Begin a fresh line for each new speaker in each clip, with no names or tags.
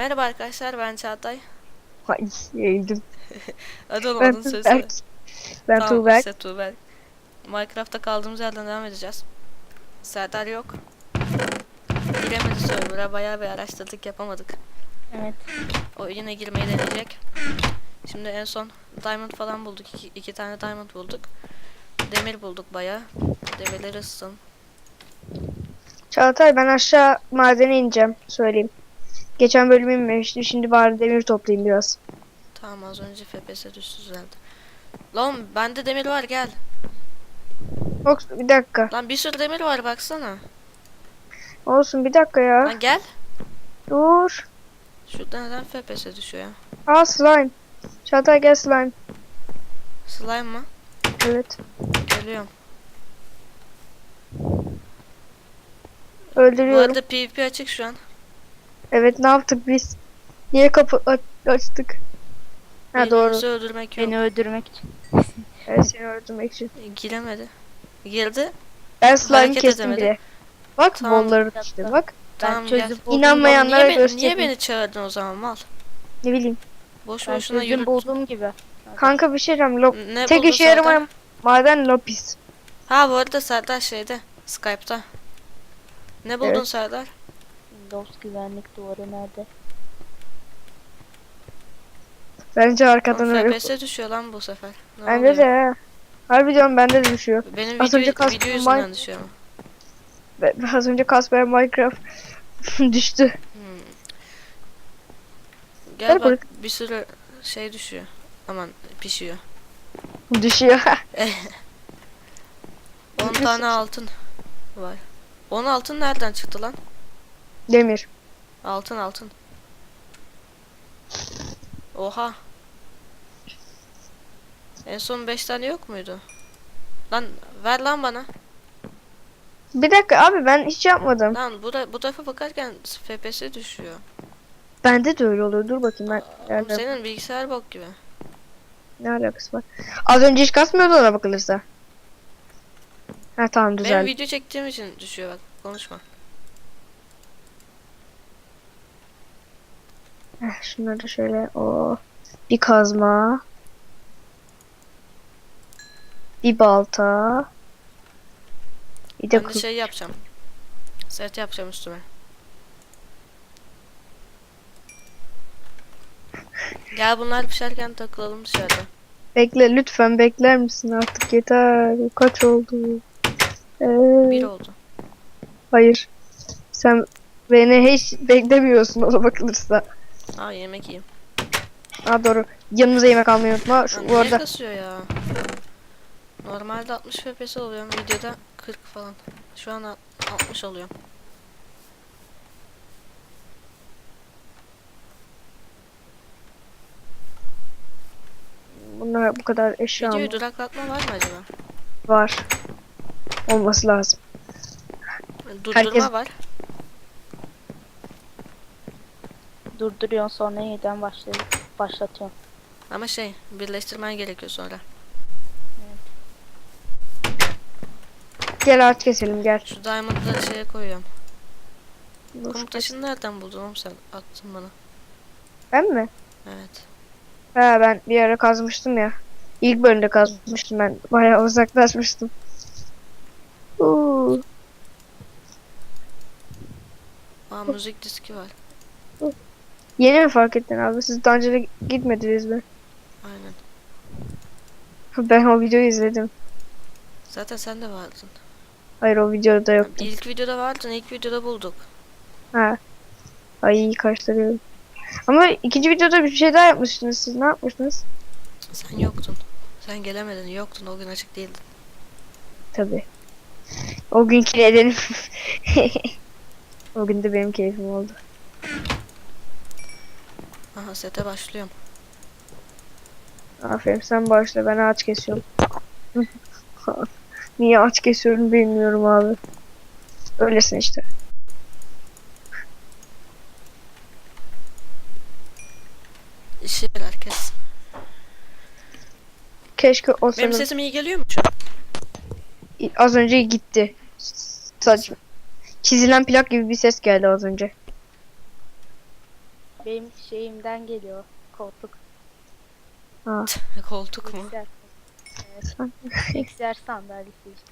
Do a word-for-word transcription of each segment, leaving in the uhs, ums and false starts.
Merhaba arkadaşlar, ben Çağatay.
Ay, eğildim.
Hadi oğlum,
Ben
adını söylesene.
Tuğberk. Ben
Tamam
Tuğberk.
işte Tuğberk. Minecraft'ta kaldığımız yerden devam edeceğiz. Serdar yok. Giremedi server'a, bayağı bir araştırdık, yapamadık.
Evet.
O yine girmeyi deneyecek. Şimdi en son diamond falan bulduk. İki, iki tane diamond bulduk. Demir bulduk bayağı. Demirleri ısıtın.
Çağatay, ben aşağı madene ineceğim. Söyleyeyim. Geçen bölüm inmemiştim. Şimdi bari demir toplayayım biraz.
Tamam, az önce F P S düştü düzeldi. Lan bende demir var, gel.
Yok, bir dakika.
Lan bir sürü demir var, baksana.
Olsun, bir dakika ya.
Lan gel.
Dur.
Şurada neden F P S düşüyor ya?
Aa, slime. Çağatay, gel slime.
Slime mı?
Evet.
Geliyorum. Bu
Öldürüyorum.
arada PvP açık şu an.
Evet, ne yaptık biz? Niye kapı aç- açtık? Ha, doğru.
Birbirimizi öldürmek yok.
Beni öldürmek için.
Evet, seni öldürmek için.
E, Giremedi. Girdi.
Ben slime
Hareket
kestim
edemedi.
bile. Bak,
Tamam.
bolları işte bak.
Tamam,
Ben
gel.
çözüm buldum.
İnanmayanlara
Oğlum, niye, be-
göstereyim.
niye beni çağırdın o zaman, mal?
Ne bileyim.
Boş
Ben
boşuna
çözüm
yürü.
bulduğum gibi.
Kanka, bir şey diyeceğim. Lo
Ne
Tek
buldun
işe
Serdar?
yaramayan maden lapis.
Ha, bu arada Serdar şeyde. Skype'ta. Ne buldun
Evet.
Serdar?
Windows güvenlik duvarı nerede?
Bence arkadan
Oğlum,
öyle.
F P S düşüyor lan bu sefer. Ne
Bende
oluyor?
de ha. Harbi diyorum, bende de düşüyor.
Benim
Az
video,
önce kastım
video
Min-
yüzünden düşüyor ama.
Be- Az önce Kasper Minecraft düştü.
Hmm. Gel
Gel
bak,
buraya.
bir sürü şey düşüyor. Aman, pişiyor.
Düşüyor.
on tane altın var. on altın nereden çıktı lan?
Demir.
Altın altın. Oha. En son beş tane yok muydu? Lan ver lan bana.
Bir dakika abi, ben hiç yapmadım.
Lan bu da bu tarafa bakarken F P S düşüyor.
Bende de öyle oluyor. Dur bakayım ben.
Oğlum,
Nerede?
senin bilgisayar bok gibi.
Ne alakası var? Az önce hiç kasmıyordu ona bakılırsa. Ha, tamam,
Benim
düzeldi.
video çektiğim için düşüyor, bak konuşma.
Heh, şunları da şöyle. O bir kazma. Bir balta. Bir de
Ben de
kılıç.
şey yapacağım. Set yapacağım üstüme. Gel, bunlar pişerken takılalım dışarıda.
Bekle, lütfen bekler misin artık, yeter. Kaç oldu? Ee,
Bir oldu.
hayır. Sen beni hiç beklemiyorsun ona bakılırsa.
Aa, yemek yiyeyim.
Ha, doğru. Yanımıza yemek almayı unutma. Şu,
Lan
bu
niye
arada
kasıyor ya? Normalde altmış F P S oluyorum, videoda kırk falan. Şu an alt- altmış oluyorum.
bunlar bu kadar eşya
Videoyu
mı
duraklatma var mı acaba?
var? Olması lazım.
Durdurma
Herkes-
var.
Durduruyorsun sonra yeniden başlayıp başlatıyorsun.
Ama şey, birleştirmen gerekiyor sonra.
Gel, ağaç keselim, gel.
Şu diamond'ları şeye koyuyorum.
Dur,
Kum
kes.
taşını nereden buldun oğlum sen? Attın bana.
Ben mi?
Evet.
Ha, ben bir ara kazmıştım ya. İlk bölümde kazmıştım ben. Bayağı uzaklaşmıştım. Uuu.
Aa, müzik diski var.
Yeni mi fark ettin abi? Siz daha önce de gitmediniz mi?
Aynen.
Ben o videoyu izledim.
Zaten sen de vardın.
Hayır, o videoda yoktu.
İlk videoda vardın, ilk videoda bulduk.
Ha. Ay, karıştırıyorum. Ama ikinci videoda bir şey daha yapmıştınız. Siz ne yapmıştınız?
Sen yoktun. Sen gelemedin, yoktun, o gün açık değildin.
Tabii. O günkü nedenim. O gün de benim keyfim oldu.
Aha, sete başlıyorum.
Aferin, sen başla, ben ağaç kesiyorum. Niye ağaç kesiyorum bilmiyorum abi. Öylesin işte.
İşi herkes.
Keşke o
Benim
senin
sesim iyi geliyor mu şu an?
az önce gitti. Saçma. Çizilen plak gibi bir ses geldi az önce.
Benim şeyimden geliyor. Koltuk.
Ha.
Koltuk mu?
Bilgisayar. Evet. Bilgisayar sandalyesi işte.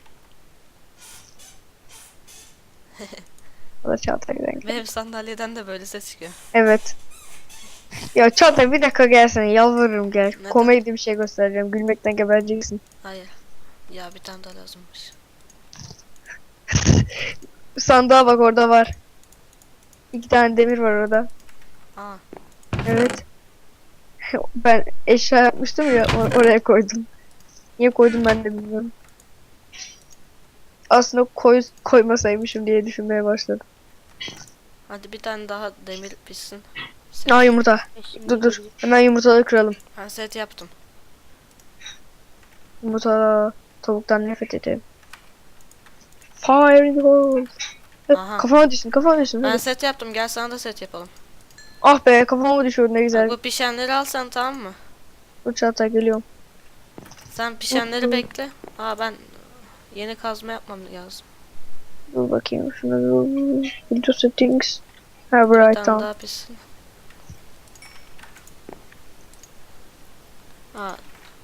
O da Çağatay'dan geldi.
Benim sandalyeden de böyle ses çıkıyor.
Evet. Ya Çağatay bir dakika gelsene, yalvarırım gel.
Neden?
Komedi bir şey göstereceğim. Gülmekten gebereceksin.
Hayır. Ya bir tane daha lazımmış.
Sandığa bak, orada var. İki tane demir var orada.
Aa.
Evet. Ben eşya yapmıştım ya, or- oraya koydum. Niye koydum ben de bilmiyorum. Aslında koy koymasaymışım diye düşünmeye başladım.
Hadi bir tane daha demir pişsin.
Aa, yumurta.
Ve şimdi
Dur dur.
geliyor.
Hemen yumurtaları kıralım.
Ben set yaptım.
Yumurta, tavuktan nefret ederim. Fire in the hole. Hep
Aha.
kafama düşsün, kafama düşsün.
Ben
hadi.
set yaptım. Gel sana da set yapalım.
Ah be, kafama düşüyor, ne güzel.
Bak, bu pişenleri al sen, tamam mı?
Dur Çağatay, geliyorum.
Sen pişenleri
Hı.
bekle. Aa, ben yeni kazma yapmam lazım.
Dur bakayım şuna, dur. Video settings. Ha,
Bir
right
tane
tamam.
daha pişsin. Aa.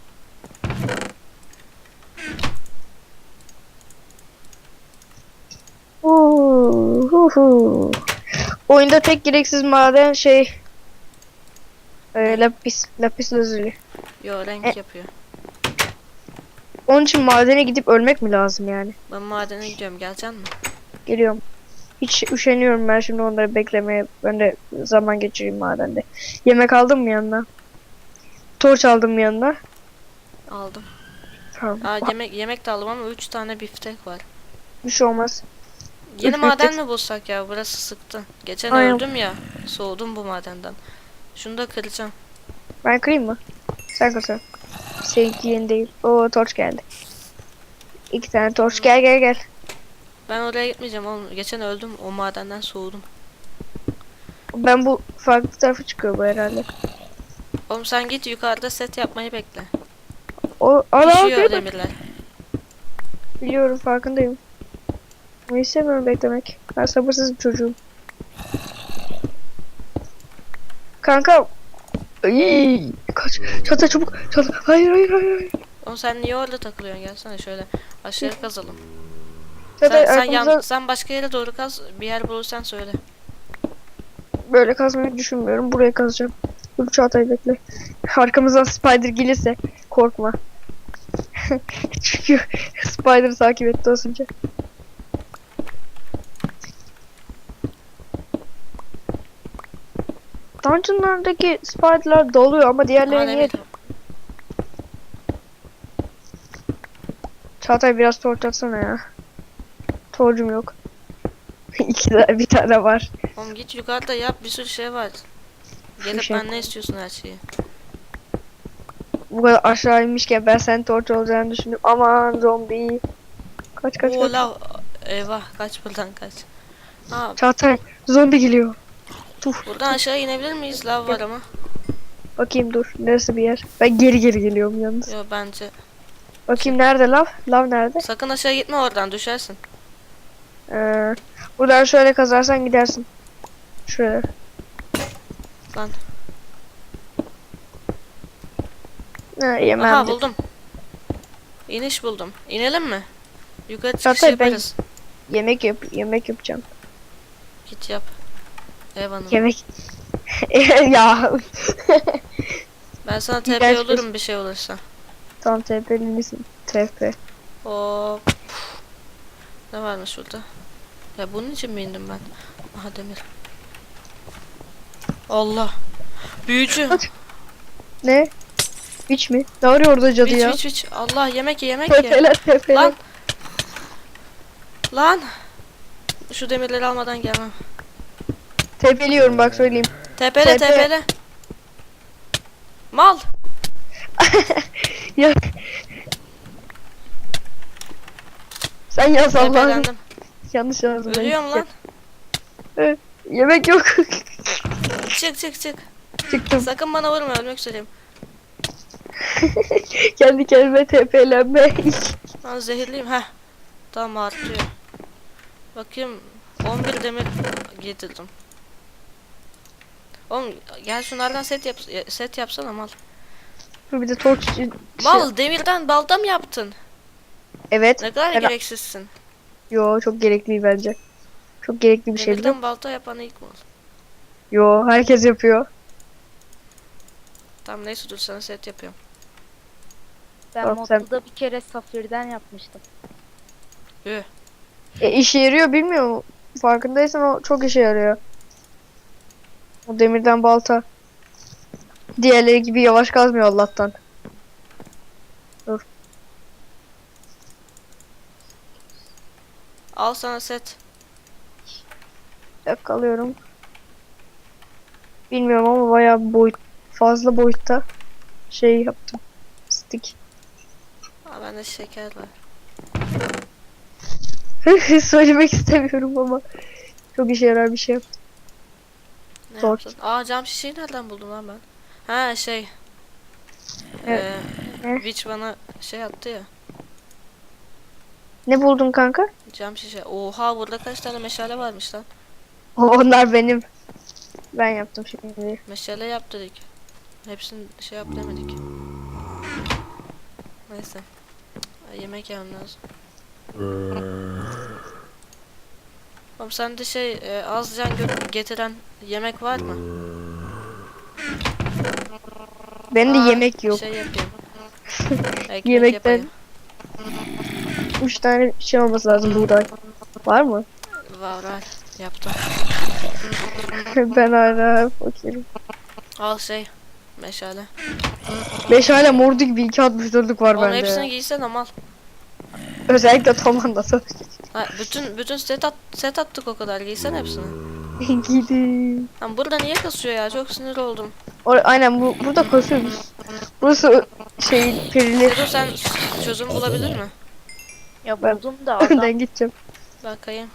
Uuu, hu hu. Oyunda tek gereksiz maden şey e, lapis, lapis lazuli.
Yo, renk
E-
yapıyor.
Onun için madene gidip ölmek mi lazım yani?
Ben madene gidiyorum. Geleceksin mi?
Geliyorum. Hiç üşeniyorum ben şimdi onları beklemeye. Ben de zaman geçireyim madende. Yemek aldım mı yanına? Torç aldım mı yanına?
Aldım.
Tamam.
Aa, yemek yemek de aldım ama üç tane biftek var.
Bir şey olmaz.
Yeni
Üç
maden
biftek.
mi bulsak ya? Burası sıktı. Geçen
Aynen.
öldüm ya. Soğudum bu madenden. Şunu da kıracağım.
Ben kırayım mı? Sen kırsana. Seninki yeni değil. Oo, torç geldi. İki tane torç. Gel gel gel.
Ben oraya gitmeyeceğim oğlum. Geçen öldüm. O madenden soğudum.
Ben bu farklı tarafa çıkıyor bu herhalde.
Oğlum sen git yukarıda set yapmayı bekle.
O ana
Pişiyor demirler.
biliyorum, farkındayım. Ama istemiyorum beklemek. Ben sabırsız bir çocuğum. Kanka. Ay, kaç. Çatla çabuk. Çatla. Hayır hayır hayır. hayır.
Oğlum sen niye orada takılıyorsun? Gelsene şöyle aşağı kazalım.
Çatla
Sen, sen, yan-
arkamıza
sen başka yere doğru kaz. Bir yer bulursan söyle.
böyle kazmayı düşünmüyorum. Buraya kazacağım. Dur Çağatay, bekle. Arkamızdan spider gelirse korkma. Çünkü spider takip etti az önce. Dungeonlardaki spiderlar doluyor ama diğerleri
Aa,
niye?
demir.
Çağatay biraz torç atsana ya. Torcum yok. İki tane, bir tane var.
Oğlum git yukarıda yap, bir sürü şey var. Gelip
şey
ben ne istiyorsun her şeyi.
Bu kadar aşağı inmişken ben senin torç olacağını düşündüm. Aman zombi. Kaç kaç
Oo,
kaç.
lav. Eyvah, kaç buradan kaç. Aa,
Çağatay zombi geliyor. Dur.
buradan aşağı inebilir miyiz? Lav var ama.
Bakayım dur. Neresi bir yer? Ben geri geri geliyorum yalnız.
Yo, bence.
Bakayım nerede lav? Lav nerede?
Sakın aşağı gitme, oradan düşersin.
Ee, buradan şöyle kazarsan gidersin. Şuraya.
Lan.
Ha, yemem
Aha,
de.
buldum. İniş buldum. İnelim mi? Yukarı çıkış
Zaten ben-
yaparız.
Yemek yap yemek yapacağım.
Git yap. Ev hanım.
Yemek. Ya.
Ben sana
İğrenç
T P
bir-
olurum bir şey olursa.
Tam T P'li misin? T P.
Hop. Ne varmış şurada? Ya bunun için mi indim ben? Aha, demir. Allah. Büyücü.
Hadi. Ne? Hiç mi? Ne arıyor orada cadı
Biç
ya?
biç biç. Allah, yemek ye yemek ye.
Tepeler tepeler.
Lan. Lan. Şu demirleri almadan gelmem.
Tepeliyorum bak söyleyeyim.
Tepele
Tepe.
tepele. Mal.
Ya. Sen yaz Allah'ım.
Tepelendim.
Yanlış yazdım. ben.
Ölüyorum lan.
Evet, yemek yok.
Çık çık çık.
Çıktım.
Sakın bana vurma, ölmek üzereyim.
Kendi kendime tepelenme.
Ben zehirliyim. Heh. Tamam, artıyor. Bakayım. on bir demir getirdim. Oğlum gel şunlardan set yap set yapsana mal.
Dur bir de torç.
Mal demirden balta mı yaptın?
Evet.
Ne kadar
Ben-
gereksizsin.
Yo çok gerekli bence. Çok gerekli bir şey biliyor musun?
Demirden balta yapan ilk mal.
Yo herkes yapıyor.
Tamam neyse dur sana set yapıyorum.
Ben
Tamam, sen-
modda bir kere safirden yapmıştım.
Yuh.
E, işe yarıyor bilmiyor musun? Farkındaysan o çok işe yarıyor. O demirden balta. Diğerleri gibi yavaş kazmıyor Allah'tan.
Al sana set.
Bir dakika alıyorum. Bilmiyorum ama bayağı boyut, fazla boyutta şey yaptım. Stick.
Aa, bende şeker var.
Söylemek istemiyorum ama çok işe yarar bir şey yaptım.
Ne
Zor.
yaptın? Aa cam şişeyi nereden buldum lan ben? Ha şey.
Evet.
Ee,
Ne?
Witch bana şey attı ya.
Ne buldun kanka?
Cam şişe. Oha burada kaç tane meşale varmış lan.
O- Onlar benim. Ben yaptım şimdi.
Meşale yap dedik. Hepsini şey yap demedik. Neyse. Ay, yemek yemem lazım. Oğlum sende şey e, az can gö- getiren yemek var mı?
Benim de
Aa,
yemek yok.
Şey yapayım. Ekmek
Yemekten-
yapayım.
Üç tane şey olması lazım buğday. Var mı?
Var var. Yaptım.
Ben hala fakirim.
Al şey. Meşale.
Beş hala mordu gibi iki altmış dörtlük var
Oğlum
bende.
hepsini giysen ama al.
Özellikle Tomanda'da.
Ha, bütün bütün set at set attık o kadar. Giysen hepsini.
Gidin.
Lan burada niye kasıyor ya? Çok sinir oldum.
Or- Aynen bu burada kasıyoruz. Burası şey perili.
Edo sen çözüm bulabilir mi?
Ya
Ben-
buldum da adam
Önden gideceğim.
Bakayım.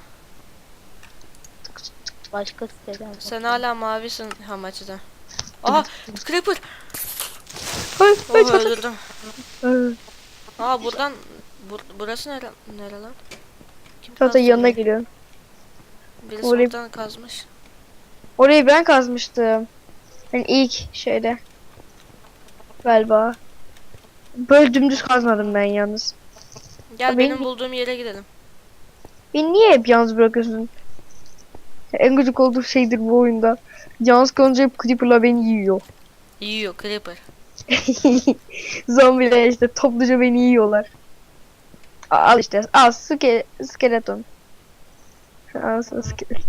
başka siteden.
Sen hala mavisin Hamachi'de. Aha! Creeper!
Hayır,
Oh
hayır, hayır.
öldürdüm.
hayır.
Aa buradan bur burası nere nere lan? Kim
Zaten
kazdı
yanına
burayı?
geliyorum.
Birisi
Orayı-
oradan kazmış.
Orayı ben kazmıştım. Yani ilk şeyde. Galiba. Böyle dümdüz kazmadım ben yalnız.
Gel
Abi-
benim bulduğum yere gidelim.
Beni niye hep yalnız bırakıyorsun? En gıcık olduğum şeydir bu oyunda. Yalnız kalınca hep Creeper'la beni yiyor.
Yiyor Creeper.
Zombiler işte topluca beni yiyorlar. A- Al işte al ske skeleton. Al sana skeleton.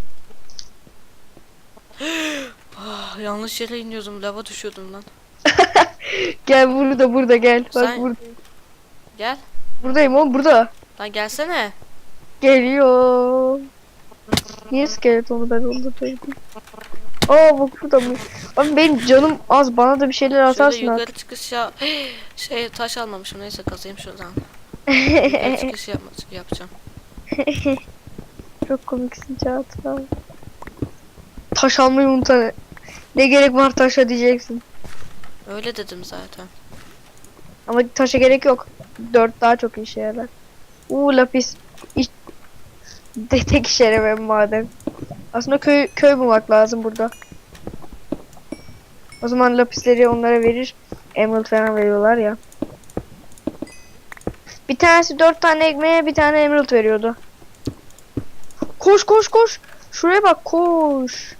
Ah, yanlış yere iniyordum. Lava düşüyordum lan.
Gel burada burada gel. Bak
Sen-
burada.
Gel.
Buradayım oğlum burada.
Lan gelsene.
Geliyor. Niye skeletonu ben onda koydum? Aa bak burada mı? Abi benim canım az bana da bir şeyler
Şöyle
atarsın
yukarı
artık.
çıkış ya. Şey taş almamışım. Neyse kazayım şuradan. Yukarı çıkış yapma yapacağım.
Çok komiksin Çağatay. Taş almayı unutan. Ne gerek var taşa diyeceksin.
Öyle dedim zaten.
Ama taşa gerek yok. Dört daha çok işe yarar. Uuu lapis. İş... De tek işe yaramıyor maden. Aslında köy köy bulmak lazım burada. O zaman lapisleri onlara verir. Emerald falan veriyorlar ya. Bir tanesi dört tane ekmeğe bir tane emerald veriyordu. Koş koş koş. Şuraya bak koş.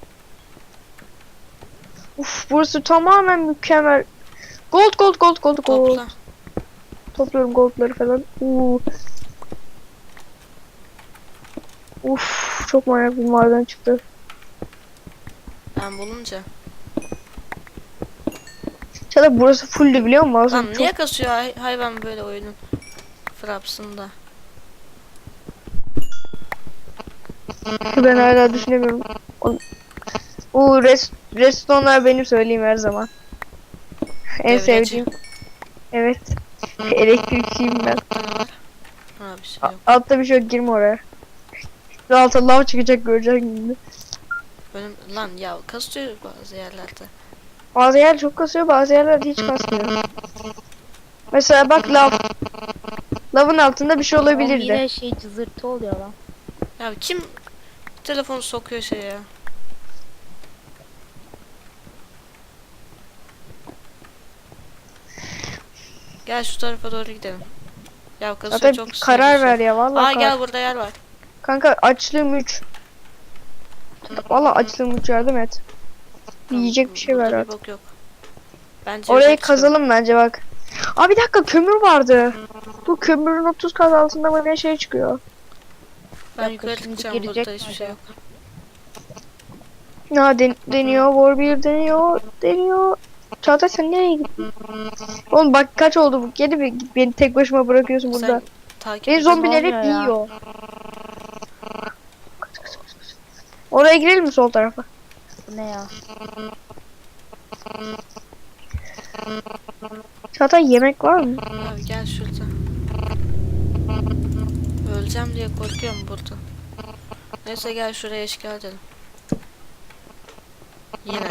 Uf burası tamamen mükemmel. Gold gold gold gold gold.
Topla.
Topluyorum goldları falan. Uuu. Uf çok manyak bir maden çıktı.
Ben bulunca.
Çağatay burası fulldü biliyor musun? Aslında
Lan
çok-
niye kasıyor hay hayvan böyle oyunun frapsında?
Ben hala düşünemiyorum. O- Uuu rest redstone'lar benim söyleyeyim her zaman. En
Devreci.
sevdiğim. Evet. Elektrikçiyim ben.
Ha bir şey
A-
yok.
altta bir şey yok girme oraya. Altta lav çıkacak göreceksin şimdi.
Benim lan ya kasıyor bazı yerlerde.
Bazı yer çok kasıyor bazı yerlerde hiç kasmıyor. Mesela bak lav. Lavın altında bir şey
Oğlum
olabilirdi.
yine şey cızırtı oluyor lan.
Ya kim telefonu sokuyor şeye ya? Gel şu tarafa doğru gidelim. Ya kasıyor
Zaten
çok
bir karar
sinirli
ver
şey.
ya vallahi.
Aa
kar-
gel burada yer var.
Kanka açlığım üç. Vallahi açlığım üç, yardım et.
Tamam,
Yiyecek bir şey
burada
ver
bir
artık.
bok yok. Bence
Orayı
yukarı çıkalım.
kazalım bence bak. Aa bir dakika, kömür vardı. Bu kömürün otuz kat altında mı ne şey çıkıyor.
Ben
Dakika,
yukarı
şimdi
çıkacağım,
girecek
burada
mi
hiçbir şey yok.
Ya den deniyor, Warbeer deniyor, deniyor. Çağatay sen nereye gittin? Oğlum bak kaç oldu bu? Geri bir beni tek başıma bırakıyorsun burada.
Sen takip
Beni
et.
zombiler
Ne
hep
oluyor ya?
yiyor. Oraya girelim mi, sol tarafa?
Bu ne ya?
Çağatay yemek var mı?
Abi gel şurada. Öleceğim diye korkuyorum burada. Neyse gel şuraya işgal edelim. Yine.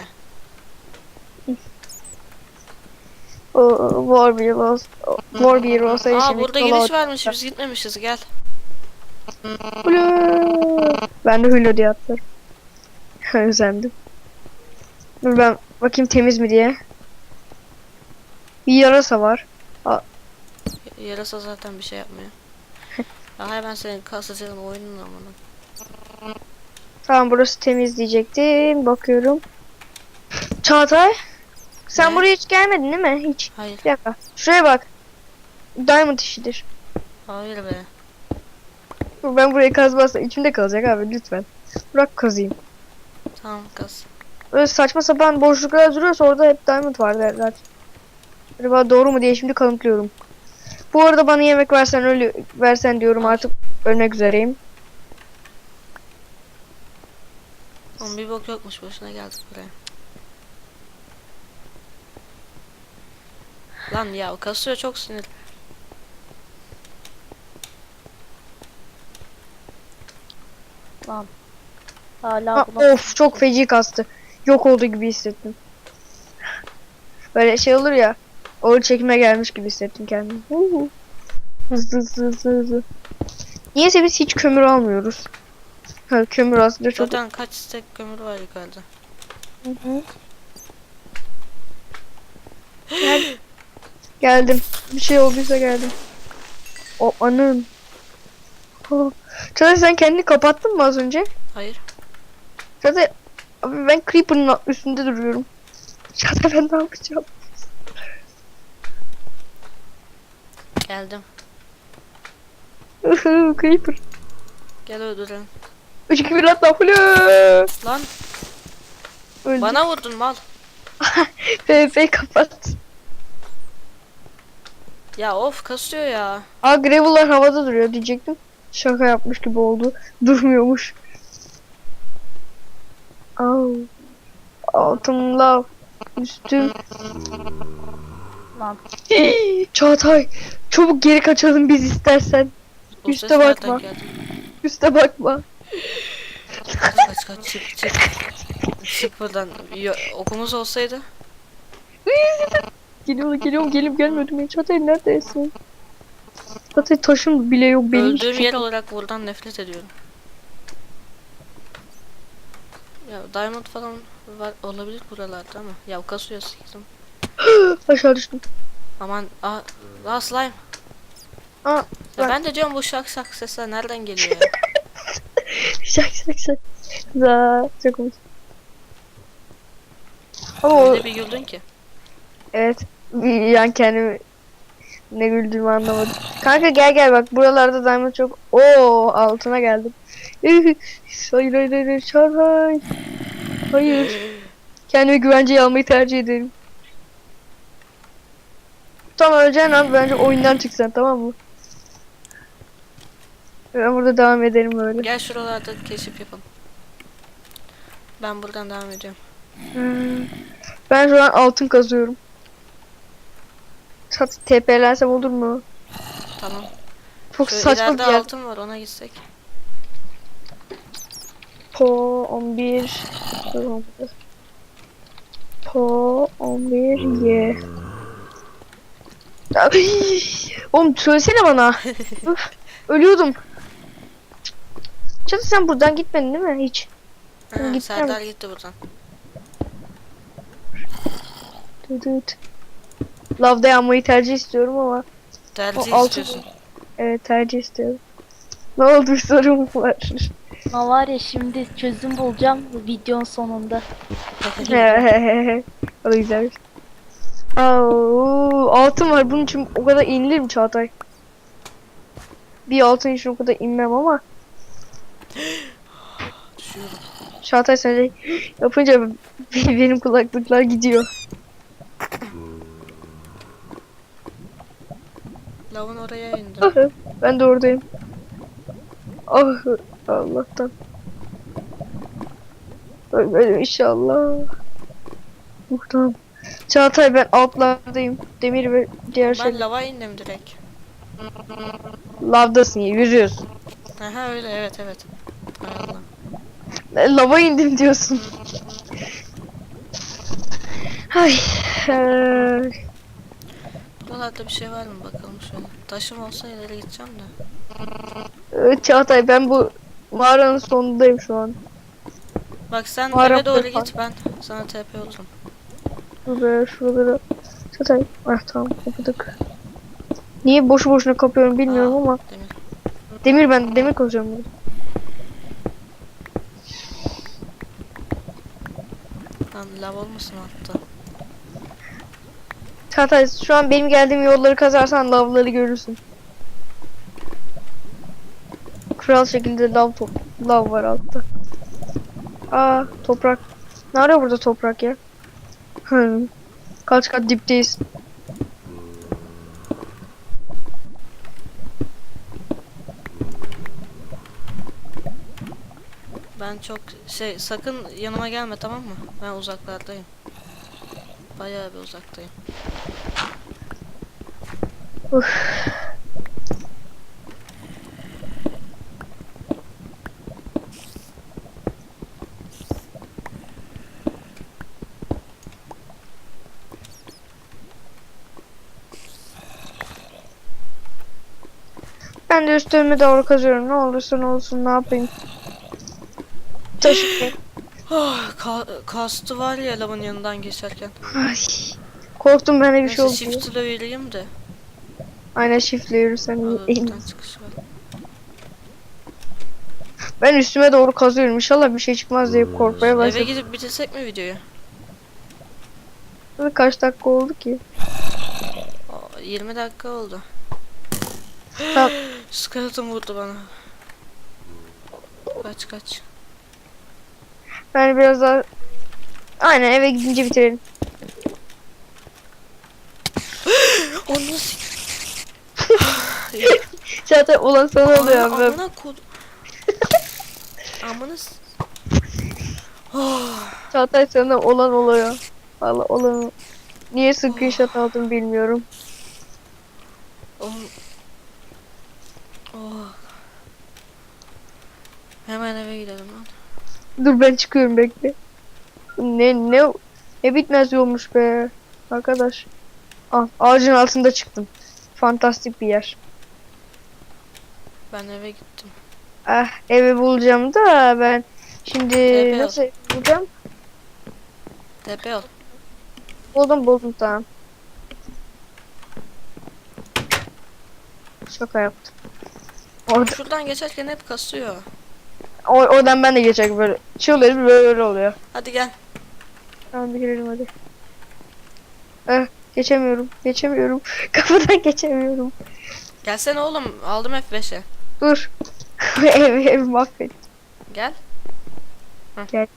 O Warbeer olsa, Warbeer olsa
Aa
işimiz
burada
kolay
giriş
olacak.
varmış, biz gitmemişiz, gel.
Hulu. Ben de Hulu diye atlarım. Özendim. Dur ben bakayım temiz mi diye. Bir yarasa var.
Y- Yarasa zaten bir şey yapmıyor. Ya hayır, ben senin kasacağın oyunun amına.
Tamam burası temiz diyecektim. Bakıyorum. Çağatay. Sen
Ne?
buraya hiç gelmedin değil mi? Hiç.
Hayır.
Bir dakika. Şuraya bak. Diamond işidir.
Hayır be.
Dur, ben burayı kazmazsam içimde kalacak abi lütfen. Bırak kazayım.
Tamam kaz.
Böyle saçma sapan boşluklar duruyorsa orada hep diamond var derler. Acaba doğru mu diye şimdi kanıtlıyorum. Bu arada bana yemek versen ölü versen diyorum, artık ölmek üzereyim.
Oğlum bir bok yokmuş, boşuna geldik buraya. Lan ya o kasıyor, çok sinir.
Lan. Hala
Ha,
bulamadım.
of çok feci kastı. Yok olduğu gibi hissettim. Böyle şey olur ya. Ağır çekime gelmiş gibi hissettim kendimi. Huhu. Hızlı hızlı hızlı hızlı. Niyeyse biz hiç kömür almıyoruz. Ha, kömür aslında çok...
Zaten kaç stek kömür var yukarıda.
Hı hı. Gel- Geldim. Bir şey olduysa geldim. O anın. Oh. Çağatay sen kendini kapattın mı az önce?
Hayır.
Çağatay abi ben Creeper'ın üstünde duruyorum. Çağatay ben ne yapacağım?
Geldim.
Creeper.
Gel öldürelim.
üç iki bir atla. Hulu.
Lan
Öldü.
bana vurdun mal.
P V P kapat.
Ya of kasıyor ya.
Aa gravel'lar havada duruyor diyecektim. Şaka yapmış gibi oldu. Durmuyormuş. Au. Altım lav. Üstüm.
Lan.
Çağatay. Çabuk geri kaçalım biz istersen.
O
Üste
ses nereden
bakma.
geldi?
Üste bakma.
Kaç kaç kaç çık çık. Çık buradan. Yo, okumuz olsaydı.
Geliyorum geliyorum gelip gelmiyordum. Ya. Çağatay neredesin? Çağatay taşım bile yok benim. hiçbir
Öldüğüm
şey
yer
yok.
olarak buradan nefret ediyorum. Ya diamond falan var olabilir buralarda ama. Ya kasıyor siktim.
Aşağı düştüm.
Aman aa, aa slime.
Aa,
Ya
bak.
ben de diyorum bu şak şak sesler nereden geliyor ya?
Şak şak şak. Za çok komik. Oo,
Öyle bir güldün ki.
evet. Bir- Yani kendimi ne güldüğümü anlamadım. Kanka gel gel bak buralarda diamond çok. Oo altına geldim. hayır hayır hayır hayır Çağatay. Hayır. Kendimi güvenceye almayı tercih ederim. Tamam öleceğin abi bence oyundan çıksan, tamam mı? Ben burada devam ederim böyle.
Gel şuralarda keşif yapalım. Ben buradan devam ediyorum.
Hmm. Ben şu an altın kazıyorum. Çat T P'lensem olur mu?
Tamam.
Çok
Şu
saçma bir
ileride
yer.
altın var, ona gitsek.
Po on bir. Po on bir ye. Ay, oğlum söylesene bana. Üf, ölüyordum. Çatı sen buradan gitmedin değil mi hiç?
Ha,
Gitmem.
Serdar gitti buradan.
Dıdıt. lavda yanmayı tercih istiyorum ama
Tercih
O altın-
istiyorsun.
evet tercih istiyorum. Ne oldu, bir sorun var?
Ama var ya şimdi çözüm bulacağım videonun sonunda.
O da güzelmiş. Aa, altın var, bunun için o kadar inilir mi Çağatay? Bir altın için o kadar inmem ama
Düşüyorum.
Çağatay sen de yapınca benim kulaklıklar gidiyor.
Lavın oraya indi.
Ben de oradayım. Ah, Allah'tan. Ölmedim inşallah. Muhtemelen. Çağatay ben altlardayım. Demir ve diğer şey.
Ben lava indim direkt.
Lavdasın ya, yüzüyorsun.
Aha öyle, evet evet. Hay Allah.
E, Lava indim diyorsun. Ay. eee,
Buralarda bir şey var mı bakalım şöyle. Taşım olsa ileri gideceğim de.
Evet, Çağatay ben bu mağaranın sonundayım şu an.
Bak sen
Mağara
eve doğru
falan.
git, ben sana T P olurum.
Şuraya şuralara. Çağatay. Ah tamam, kapadık. Niye boşu boşuna kapıyorum bilmiyorum
Aa,
ama.
Demir.
Demir, ben demir koyacağım burada.
Lan lav olmasın altta.
Çağatay şu an benim geldiğim yolları kazarsan lavları görürsün. Kral şekilde lav top lav var altta. Aa, toprak. Ne arıyor burada toprak ya? Hı. Kaç kat dipteyiz.
Ben çok şey, sakın yanıma gelme, tamam mı? Ben uzaklardayım. Bayağı bir uzaktayım.
Uf. Ben de üstlerime doğru kazıyorum. Ne olursa ne olsun, ne yapayım. Taşı.
Oh, ka kastı var ya lavın yanından geçerken.
Ay. Korktum, ben de bir şey
Neyse
oldu.
shift ile yürüyeyim de.
Aynen shiftle yürürsen
Orada
iyi.
buradan çıkış var.
Ben üstüme doğru kazıyorum. İnşallah bir şey çıkmaz diye korkmaya
Eve
başladım.
gidip bitirsek mi videoyu?
Kaç dakika oldu ki?
Aa, yirmi dakika oldu.
Tamam.
Skeleton vurdu bana. Kaç kaç.
Ben biraz daha... Aynen, eve gidince bitirelim.
Onu nasıl?
Zaten olan sana oluyor
Amına
abi.
amına kod. Amına s- Oh,
Çağatay sana olan oluyor. Valla olan. Niye screenshot aldım bilmiyorum.
oğlum. Oh. Hemen eve gidelim lan.
Dur ben çıkıyorum, bekle. Ne ne ne bitmez yolmuş be. Arkadaş. Ah, ağacın altında çıktım. Fantastik bir yer.
Ben eve gittim.
Ah, evi bulacağım da ben şimdi
Tepe
nasıl evi bulacağım?
Tepe ol.
Buldum buldum tamam. Şaka yaptım. Orada,
Şuradan geçerken hep kasıyor.
o, oradan ben de geçecek böyle. Çığlıyorum, böyle, böyle oluyor.
Hadi gel.
Tamam, bir girelim hadi. Eh, geçemiyorum. Geçemiyorum. Kapıdan geçemiyorum.
Gelsene oğlum. Aldım F beşe.
Dur. ev ev mahvet.
Gel. Hı.
Gel.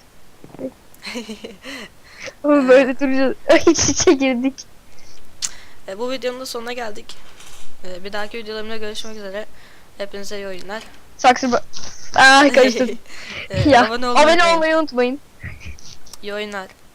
Ama böyle duracağız. İç içe girdik.
E, bu videonun da sonuna geldik. E, bir dahaki videolarımda görüşmek üzere. Hepinize iyi oyunlar.
Saksı ba- Ah, karıştırdım.
E,
Ya,
abone olmayı
abone
unutmayın.
olmayı unutmayın.
İyi oyunlar.